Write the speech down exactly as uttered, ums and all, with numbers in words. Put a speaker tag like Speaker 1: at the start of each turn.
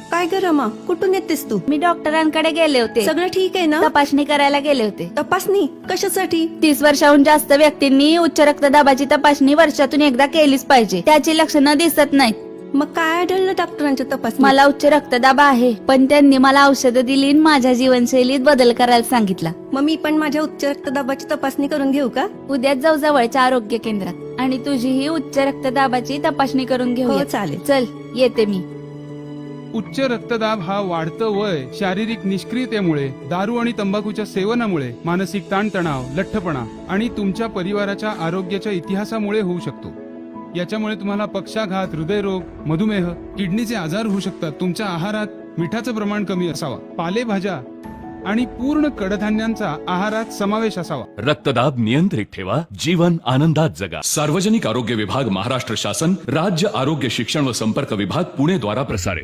Speaker 1: काय ग रमा, कुठून येतेस तू?
Speaker 2: मी डॉक्टरांकडे गेले होते.
Speaker 1: सगळं ठीक आहे ना?
Speaker 2: तपासणी करायला गेले होते.
Speaker 1: तपासणी कशासाठी?
Speaker 2: तीस वर्षाहून जास्त व्यक्तींनी उच्च रक्तदाबाची तपासणी वर्षातून एकदा केलीच पाहिजे. त्याची लक्षणं दिसत नाहीत.
Speaker 1: मग काय आढळलं डॉक्टरांच्या तपासणी?
Speaker 2: मला उच्च रक्तदाब आहे, पण त्यांनी मला औषधं दिली आणि माझ्या जीवनशैलीत बदल करायला सांगितला.
Speaker 1: मग मी पण माझ्या उच्च रक्तदाबाची तपासणी करून घेऊ का?
Speaker 2: उद्याच जाऊ जवळच्या आरोग्य केंद्रात आणि तुझीही उच्च रक्तदाबाची तपासणी करून घेऊ.
Speaker 1: हो चालेल.
Speaker 2: चल येते मी.
Speaker 3: उच्च रक्तदाब हा वाढतं वय, शारीरिक निष्क्रियतेमुळे, दारू आणि तंबाखूच्या सेवनामुळे, मानसिक ताणतणाव, लठ्ठपणा आणि तुमच्या परिवाराच्या आरोग्याच्या इतिहासामुळे होऊ शकतो. याच्यामुळे तुम्हाला पक्षाघात, हृदयरोग, मधुमेह, किडनीचे आजार होऊ शकतात. तुमच्या आहारात मिठाचं प्रमाण कमी असावा, पालेभाज्या आणि पूर्ण कडधान्यांचा आहारात समावेश असावा.
Speaker 4: रक्तदाब नियंत्रित ठेवा, जीवन आनंदात जगा. सार्वजनिक आरोग्य विभाग, महाराष्ट्र शासन, राज्य आरोग्य शिक्षण व संपर्क विभाग, पुणे द्वारा प्रसारित.